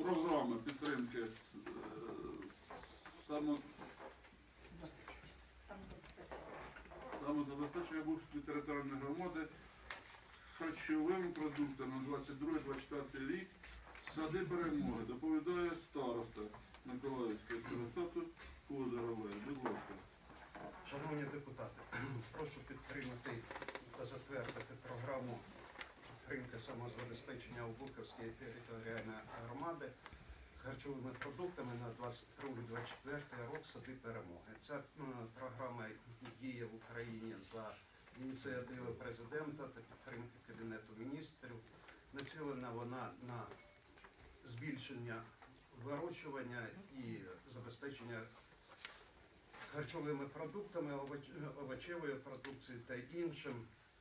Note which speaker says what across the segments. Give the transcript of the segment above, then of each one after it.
Speaker 1: програми підтримки самозабезпечення Бухської територіальної громади харчовими продуктами на 22-24 рік сади перемоги. Доповідає староста Миколаївського старостату Козарової. Будь ласка.
Speaker 2: Шановні депутати, прошу підтримати та затвердити програму підтримки самозабезпечення Обухівської територіальної громади харчовими продуктами на 22-24 рік сади перемоги. Ця програма діє в Україні за ініціативи президента та підтримки Кабінету міністрів. Націлена вона на збільшення вирощування і забезпечення харчовими продуктами, овочевою продукцією та іншим.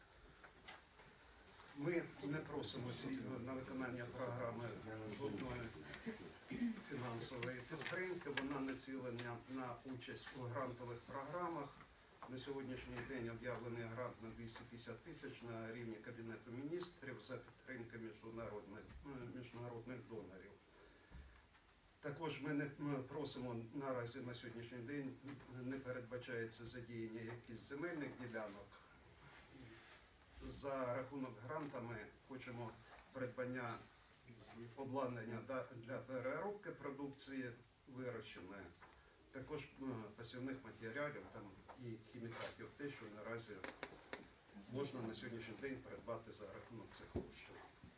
Speaker 2: Ми не просимо на виконання програми жодної фінансової підтримки. Вона націлена на участь у грантових програмах. На сьогоднішній день об'явлений грант на 250 тисяч на рівні Кабінету міністрів за підтримки міжнародних донорів. Також ми не просимо наразі на сьогоднішній день, не передбачається задіяння якихось земельних ділянок. За рахунок гранта ми хочемо придбання обладнання для переробки продукції вирощеної, також посівних матеріалів там, і хімікатів, те, що наразі можна на сьогоднішній день придбати за рахунок цих коштів.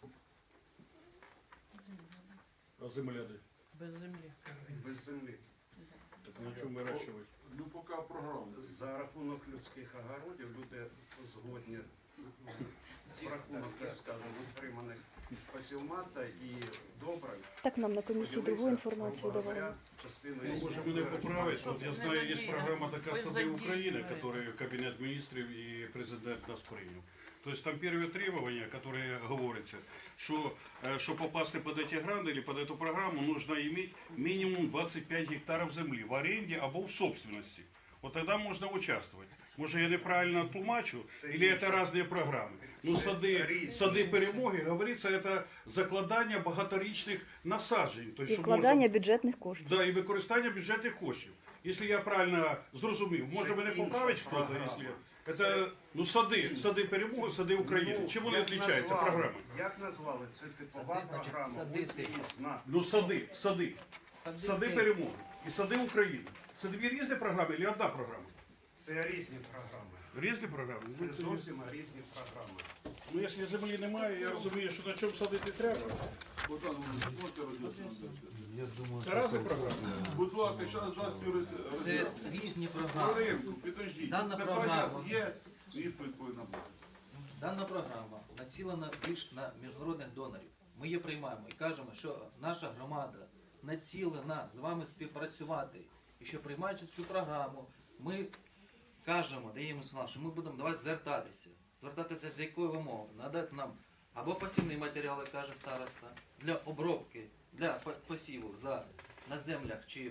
Speaker 3: А земля де?
Speaker 4: Без землі.
Speaker 2: Без землі.
Speaker 3: Так на чому вирощувати?
Speaker 1: Ну, поки програма.
Speaker 2: За рахунок людських огородів люди згодні в рахунок, так скажемо, утриманих посівмата і добре.
Speaker 5: Так нам на комісії другу інформацію давали.
Speaker 3: Ну, може мене поправить. От я знаю, є програма така «Сади України», яку Кабінет міністрів і президент нас прийняв. Тобто там первые требования, которые говорится, что чтобы попасть под эти гранты или под эту программу, нужно иметь минимум 25 гектаров земли в аренде або в собственности. Вот тогда можно участвовать. Может, я неправильно тлумачу, или это разные программы. Ну, сады перемоги, говорится, это закладання багаторічних насаджень. То есть,
Speaker 5: І вкладання бюджетних коштів.
Speaker 3: Да, і використання бюджетних коштів. Якщо я правильно зрозумів, може мене поправить хтось, якщо... Это, ну, сади перемоги, сади України. Чим вони відрізняються, програми?
Speaker 2: Як назвали? Це типова програма. Ось її знак.
Speaker 3: Ну, сади перемоги і сади України. Це дві різні програми чи одна програма?
Speaker 2: Це різні програми.
Speaker 3: Різні програми?
Speaker 2: Це зовсім різні програми.
Speaker 3: Ну, якщо землі немає, я розумію, що на чому садити треба.
Speaker 1: Богдан, можете роз'яснити?
Speaker 3: Це різні програми.
Speaker 1: Будь ласка, зараз дасть юрист.
Speaker 6: Це різні програми.
Speaker 1: Хвилинку, підождіть.
Speaker 6: Дана
Speaker 1: Питання
Speaker 6: програма.
Speaker 1: є, відповідь повинна бути.
Speaker 6: Дана програма націлена більш на міжнародних донорів. Ми її приймаємо і кажемо, що наша громада націлена з вами співпрацювати. І що приймаючи цю програму, ми кажемо, даємо сигнал, що ми будемо до вас звертатися. Звертатися з якою вимогою? Надати нам або посівні матеріали, каже староста, для обробки, для посіву на землях чи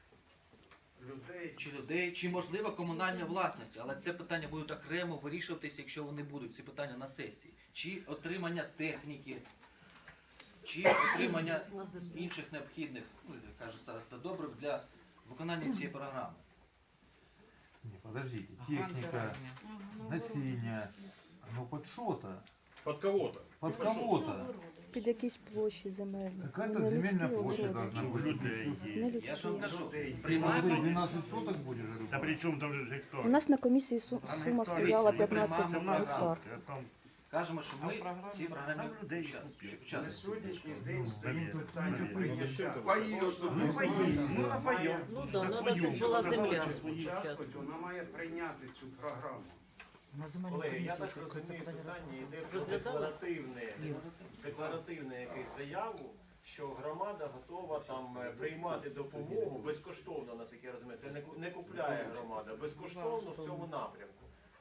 Speaker 6: людей, чи можливо комунальна власність, але це питання будуть окремо вирішуватися, якщо вони будуть, ці питання на сесії. Чи отримання техніки, чи отримання інших необхідних, ну, каже староста, добрив для виконання цієї програми.
Speaker 7: Не, подождите, техника, насилие, ну под что-то,
Speaker 3: Под кого-то.
Speaker 7: под кого-то.
Speaker 5: Під якісь площі земельні.
Speaker 7: Какая-то
Speaker 5: Не
Speaker 7: земельная
Speaker 5: людські,
Speaker 7: площадь
Speaker 5: огородні.
Speaker 7: должна быть.
Speaker 5: Не
Speaker 6: Я ж вам
Speaker 5: людські.
Speaker 6: кажу,
Speaker 7: Что,
Speaker 6: приймаємо.
Speaker 7: 12 соток будешь?
Speaker 8: Да при чем там же гектар?
Speaker 5: У нас на комісії сума стояла
Speaker 6: Ми
Speaker 5: 15
Speaker 6: приймаємо
Speaker 5: гектар.
Speaker 8: Там
Speaker 6: Кажемо, що ми в цій програмі
Speaker 8: людей
Speaker 2: На
Speaker 6: учасники.
Speaker 2: сьогоднішній день стоїть
Speaker 8: Навіть.
Speaker 2: питання прийняття.
Speaker 1: Паї особисто.
Speaker 8: ну напоем.
Speaker 4: Ну да, надо, щоб була земля.
Speaker 2: Участвувати, вона має прийняти цю програму.
Speaker 9: Колеги, я так розумію, питання йде про декларативне якусь заяву, що громада готова там приймати допомогу безкоштовно, наскільки я розумію. Це не купляє громада, безкоштовно в цьому напрямку.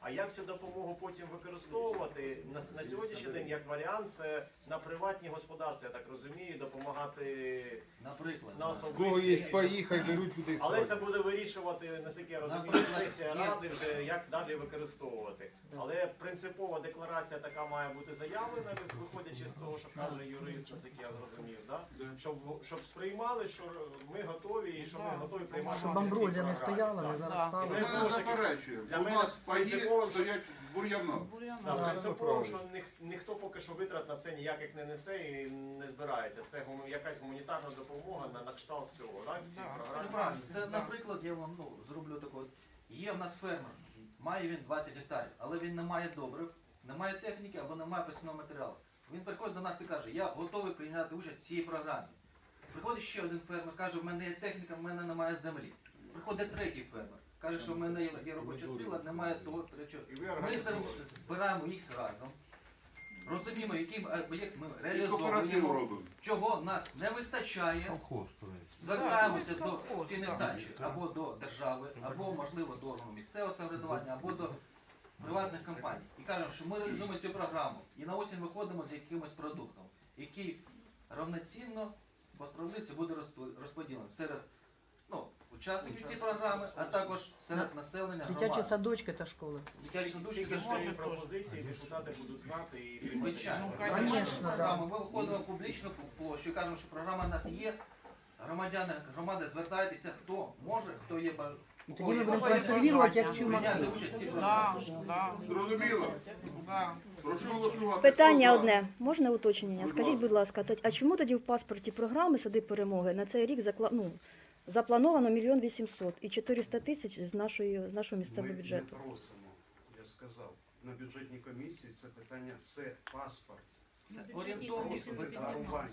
Speaker 9: А як цю допомогу потім використовувати? На сьогоднішній день, як варіант, це на приватні господарства, я так розумію, допомагати
Speaker 6: Наприклад,
Speaker 9: на
Speaker 7: Кого є
Speaker 9: особисті.
Speaker 7: паї, хай беруть людей.
Speaker 9: Але це буде вирішувати, наскільки я розумію,
Speaker 6: Наприклад,
Speaker 9: сесія
Speaker 6: є-
Speaker 9: ради вже як далі використовувати. Але принципова декларація така має бути заявлена, виходячи з того, що каже юрист, наскільки я зрозумів, да? Щоб сприймали, що ми готові і що ми готові приймати.
Speaker 4: Щоб
Speaker 9: участь в цій
Speaker 4: амброзія не
Speaker 9: програмі.
Speaker 4: стояла, не
Speaker 9: Так.
Speaker 4: заростала.
Speaker 1: Ми
Speaker 9: Це знову ж таки
Speaker 1: заперечуємо.
Speaker 9: для
Speaker 1: У
Speaker 9: мене
Speaker 1: нас паї
Speaker 9: принципово,
Speaker 1: стоять бур'яна.
Speaker 9: Так, принципово, що ніхто поки що витрат на це ніяких не несе і не збирається. Це якась гуманітарна допомога на кшталт цього, так? В цій
Speaker 6: це
Speaker 9: програмі.
Speaker 6: правильно. Це, наприклад, я вам зроблю таку. Є в нас фермер, має він 20 гектарів, але він не має добрив, не має техніки або не має посівного матеріалу. Він приходить до нас і каже, я готовий прийняти участь в цій програмі. Приходить ще один фермер, каже, в мене є техніка, в мене немає землі. Приходить третій фермер, каже, що в мене є робоча сила, немає того, третього.
Speaker 9: І ви
Speaker 6: Ми
Speaker 9: організуєте.
Speaker 6: збираємо їх разом, розуміємо, який об'єкт ми
Speaker 1: І кооператив
Speaker 6: реалізовуємо,
Speaker 1: робимо.
Speaker 6: чого нас не вистачає.
Speaker 7: Колхоз строить.
Speaker 6: Звертаємося до цієї здачі або до держави, або можливо до органу місцевого самоврядування, або до приватних компаній. І кажемо, що ми реалізуємо цю програму і на осінь виходимо з якимось продуктом, який равноцінно по справедливості буде розподілений серед учасників цієї програми, а також серед населення
Speaker 4: Дитячі
Speaker 6: громади.
Speaker 4: садочки та школи.
Speaker 6: Дитячі садочки
Speaker 9: Тільки
Speaker 6: теж
Speaker 9: свої пропозиції депутати будуть знати і приймати.
Speaker 6: звичайно.
Speaker 4: Конечно, да.
Speaker 6: Програму. Ми виходимо в публічну площу і кажемо, що програма в нас є. Громадяни громади, звертайтеся, хто може, хто є
Speaker 4: І тоді ми будемо консервувати як чумаки.
Speaker 6: прийняти участь в цій програмі.
Speaker 1: Зрозуміло? Прошу голосувати.
Speaker 5: Питання
Speaker 1: Хто за?
Speaker 5: одне. Можна уточнення?
Speaker 1: Будь
Speaker 5: Скажіть,
Speaker 1: ласка.
Speaker 5: будь ласка, а чому тоді в паспорті програми «Сади перемоги» на цей рік заплановано 1 800 000 і 400 000 з нашого місцевого
Speaker 2: Ми
Speaker 5: бюджету?
Speaker 2: не просимо, я сказав. На бюджетній комісії це питання, це паспорт.
Speaker 6: Це орієнтовність.
Speaker 2: Декларування.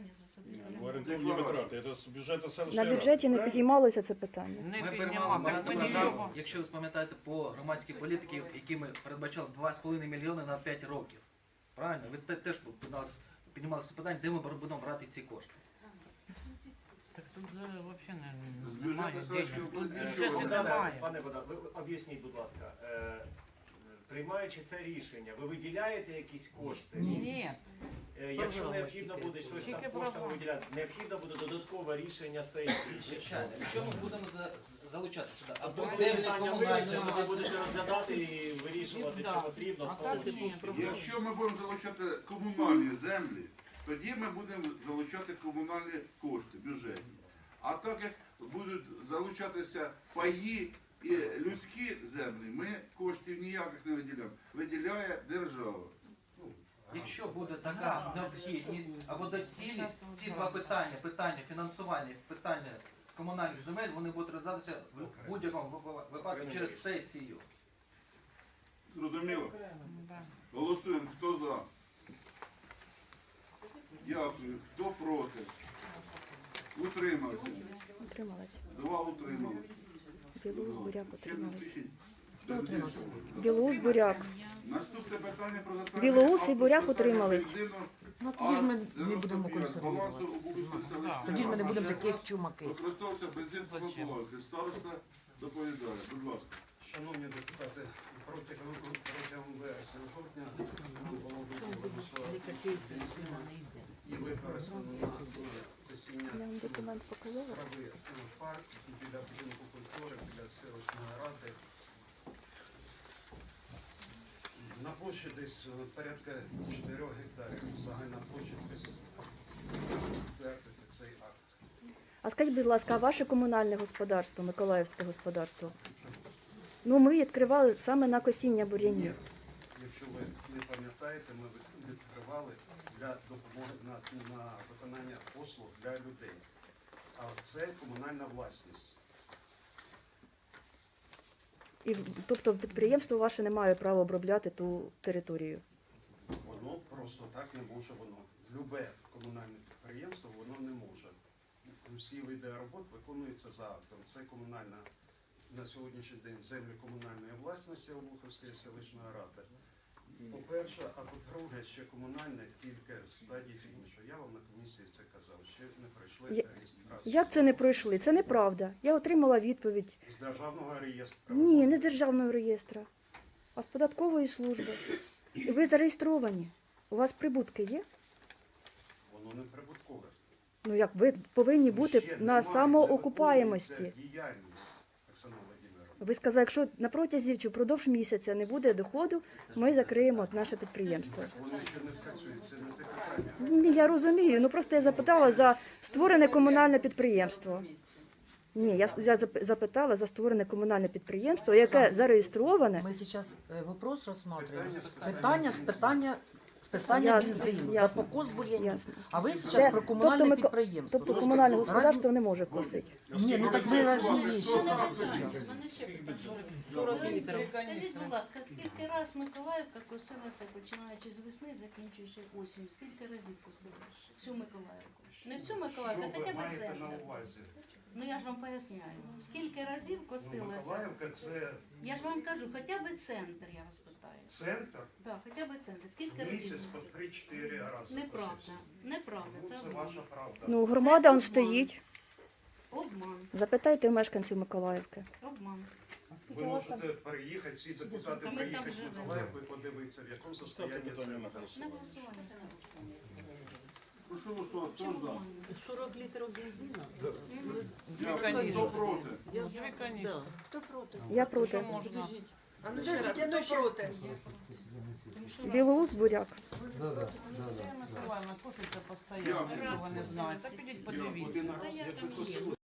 Speaker 3: Орієнтовні витрати. Це з бюджету
Speaker 5: На
Speaker 3: селищної ради.
Speaker 5: бюджеті не підіймалося це питання.
Speaker 6: Ми приймали багато програм, якщо ви пам'ятаєте, по громадській політиці, які ми передбачали 2,5 мільйони на 5 років. Правильно? Ви теж піднімали це питання, де ми будемо брати ці кошти.
Speaker 4: Так тут взагалі
Speaker 1: З бюджету селищної
Speaker 4: бюджету
Speaker 1: ради.
Speaker 4: немає.
Speaker 9: Пане Богдан, ви об'ясніть, будь ласка, приймаючи це рішення, ви виділяєте якісь кошти?
Speaker 4: Ні.
Speaker 9: Якщо необхідно буде щось там коштами виділяти, необхідно буде додаткове рішення сесії.
Speaker 6: Звичайно, якщо ми будемо залучати сюди, або
Speaker 9: Тобто
Speaker 6: землі
Speaker 9: питання
Speaker 6: комунальної
Speaker 9: виникне, ви
Speaker 6: власності.
Speaker 9: будете розглядати і вирішувати, що потрібно. в тому чи іншому.
Speaker 1: Якщо ми будемо залучати комунальні землі, тоді ми будемо залучати комунальні кошти бюджетні. А так як будуть залучатися паї і людські землі, ми коштів ніяких не виділяємо. Виділяє держава.
Speaker 6: Якщо буде така необхідність або доцільність, ці два питання фінансування, питання комунальних земель, вони будуть розглядатися в будь-якому випадку через сесію.
Speaker 1: Зрозуміло? Голосуємо. Хто за? Дякую. Хто проти? Утримався.
Speaker 5: Утрималась.
Speaker 1: 2 утримали.
Speaker 5: Білоус, Буряк утримались.
Speaker 2: Хто утримався?
Speaker 5: Білоус, Буряк.
Speaker 1: Наступне питання про затвердження
Speaker 5: Білоус і Буряк
Speaker 1: акту
Speaker 5: утримались.
Speaker 1: спеціального
Speaker 4: Ну тоді ж ми
Speaker 1: бензину
Speaker 4: не будемо
Speaker 1: А95
Speaker 4: консервувати.
Speaker 1: балансу Обухівської селищної
Speaker 4: Тоді ж ми не будемо
Speaker 1: ради.
Speaker 4: таких чумаки.
Speaker 1: Використовувався бензин промивки. Староста доповідає. Будь ласка.
Speaker 2: Шановні депутати, протягом вересня-жовтня нам було виділено, що і використано на посіння
Speaker 5: Я вам документ показала.
Speaker 2: трави в парк біля будинку культури, біля селищної ради. На площі десь порядка 4 гектарів. Загальна площа десь підтвердити цей акт.
Speaker 5: А скажіть, будь ласка, а ваше комунальне господарство, Миколаївське господарство? Ну, ми відкривали саме на косіння бур'янів.
Speaker 2: Якщо ви не пам'ятаєте, ми відкривали для допомоги на виконання послуг для людей. А це комунальна власність.
Speaker 5: І, тобто підприємство ваше не має права обробляти ту територію.
Speaker 2: Воно просто так не може, воно. Любе комунальне підприємство воно не може. Всі види робот виконуються за актом. Це комунальна, на сьогоднішній день землі комунальної власності Обухівської селищної ради. По-перше, а по-друге, ще комунальне тільки в стадії фінішу. Я вам на комісії це казав, ще не пройшли реєстрацію.
Speaker 5: Як це не пройшли? Це неправда. Я отримала відповідь.
Speaker 2: З державного реєстру.
Speaker 5: Ні, не з державного реєстру. а з податкової служби. І ви зареєстровані. У вас прибутки є?
Speaker 2: Воно не прибуткове.
Speaker 5: Ну як ви повинні бути
Speaker 2: Ще
Speaker 5: на
Speaker 2: немає,
Speaker 5: самоокупаємості.
Speaker 2: не виконується діяльність, Оксана Володимировна.
Speaker 5: Ви сказали, якщо на протязі чи впродовж місяця не буде доходу, ми закриємо наше підприємство.
Speaker 2: Вони ще не працюють, це не те питання.
Speaker 5: Ні, я розумію. Ну просто я запитала за створене комунальне підприємство. Ні, я запитала за створене комунальне підприємство, яке зареєстроване.
Speaker 4: Мы сейчас вопрос рассматриваем.
Speaker 2: Питання
Speaker 4: Питання списання
Speaker 5: Ясно,
Speaker 4: бензину,
Speaker 5: ясно.
Speaker 4: за покос бур'янів.
Speaker 5: Ясно.
Speaker 4: А ви зараз
Speaker 5: Де-
Speaker 4: про комунальне
Speaker 5: ми-
Speaker 4: підприємство.
Speaker 5: Тобто комунальне господарство не може косити.
Speaker 4: Ні, ну так ми різні вещи.
Speaker 10: Скажіть, будь ласка, скільки раз Миколаївка косилася, починаючи з весни, закінчуючи осінь? Скільки разів косили всю Миколаївку? Не всю Миколаївку,
Speaker 2: Що
Speaker 10: а
Speaker 2: ви
Speaker 10: хоча б
Speaker 2: маєте
Speaker 10: центр.
Speaker 2: на увазі?
Speaker 10: Ну я ж вам поясняю. Скільки разів
Speaker 2: Ну,
Speaker 10: косилася?
Speaker 2: Миколаївка це
Speaker 10: Я ж вам кажу, хоча б центр, я вас питаю.
Speaker 2: центр,
Speaker 10: Так, хоча б центр. Скільки разів?
Speaker 2: місяць по
Speaker 10: косили?
Speaker 2: 3-4 рази.
Speaker 10: Неправда. Неправда.
Speaker 2: Ну,
Speaker 10: Це
Speaker 2: це
Speaker 10: обман.
Speaker 2: ваша правда.
Speaker 5: Ну, громада он
Speaker 10: обман.
Speaker 5: стоїть.
Speaker 10: Обман.
Speaker 5: Запитайте у мешканців Миколаївки.
Speaker 10: Обман.
Speaker 2: Ви можете переїхати, всі депутати
Speaker 10: Ми там
Speaker 2: приїхати в
Speaker 10: живемо.
Speaker 2: Миколаївку і подивитися, в якому состоянні це.
Speaker 10: На голосування.
Speaker 1: Ну що ви що, хто здав?
Speaker 4: 40 літрів бензину.
Speaker 1: Хто проти?
Speaker 4: Дві каністри.
Speaker 10: Хто проти?
Speaker 5: Я проти.
Speaker 4: Можна.
Speaker 11: А ну ще раз, хто проти?
Speaker 5: Білоус, буряк.
Speaker 4: Миколаївна коситься постійно, якщо ви не знаєте. Та підіть подивіться.
Speaker 1: Один раз я прикосив.